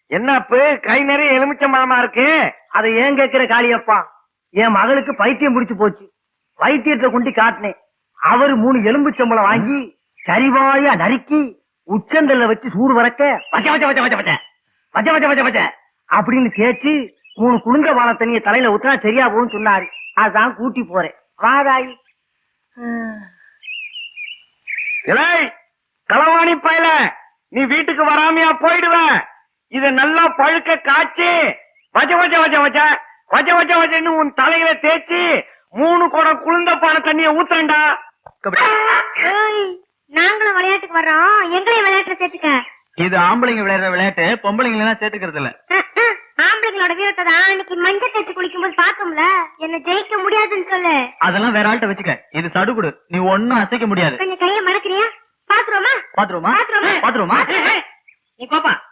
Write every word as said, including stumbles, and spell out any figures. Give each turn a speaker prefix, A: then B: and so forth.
A: என்னப்பு கை நிறைய எலுமிச்சம்பழமா இருக்கு?
B: அதை ஏன் கேட்கிற காளியப்பா? என் மகளுக்கு பைத்தியம் பிடிச்சு போச்சு. வைத்தியத்தை கொண்டு காட்டினேன். அவரு மூணு எலும்புச்சம்பளம் வாங்கி சரிவாயா நறுக்கி உச்சந்தல்ல வச்சு சூடு வரக்க வச்ச வச்ச வச்ச வச்ச வச்ச வச்ச வச்ச வச்ச வச்ச அப்படின்னு தேய்ச்சி மூணு குளுங்க வாழ தண்ணிய தலையில ஊத்தினா சரியா போகும்னு சொன்னாரு. அதான் கூட்டி போறேன். வாதாயி
A: களவாணி பயல, நீ வீட்டுக்கு வராமையா போயிடுவேன். இத நல்லா பழுக்க காய்ச்சி வச்ச வச்ச வச்ச வச்ச வச்ச வச்ச வச்சன்னு உன் தலையில தேய்ச்சி மூணு குடம் குளிர்ந்த பான தண்ணிய ஊத்துறேன்டா.
C: நாங்களும் விளையாட்டுக்கு வர்றோம், எங்களையும் விளையாட்டுல சேர்த்துக்க.
D: இது ஆம்பளைங்க விளையாடுற விளையாட்டு, பொம்பளைங்க எல்லாம் சேர்த்துக்கிறது இல்ல.
C: ஆம்பளைங்களோட வீரத்தை தான் அன்னைக்கு மஞ்சள் தேய்ச்சி குளிக்கும் போது பார்த்தோம்ல. என்ன ஜெயிக்க முடியாதுன்னு சொல்லு.
D: அதெல்லாம் வேற ஆள்கிட்ட வச்சுக்க. இது சடுகுடு, நீ ஒன்னும் அசைக்க முடியாது.
C: கொஞ்சம் கையை மறக்கிறியா? பாத்துருவோமா
D: பாத்துருவோமா
C: பாத்துருவோமா
D: பாத்துருவோமா
B: நீ பாப்பா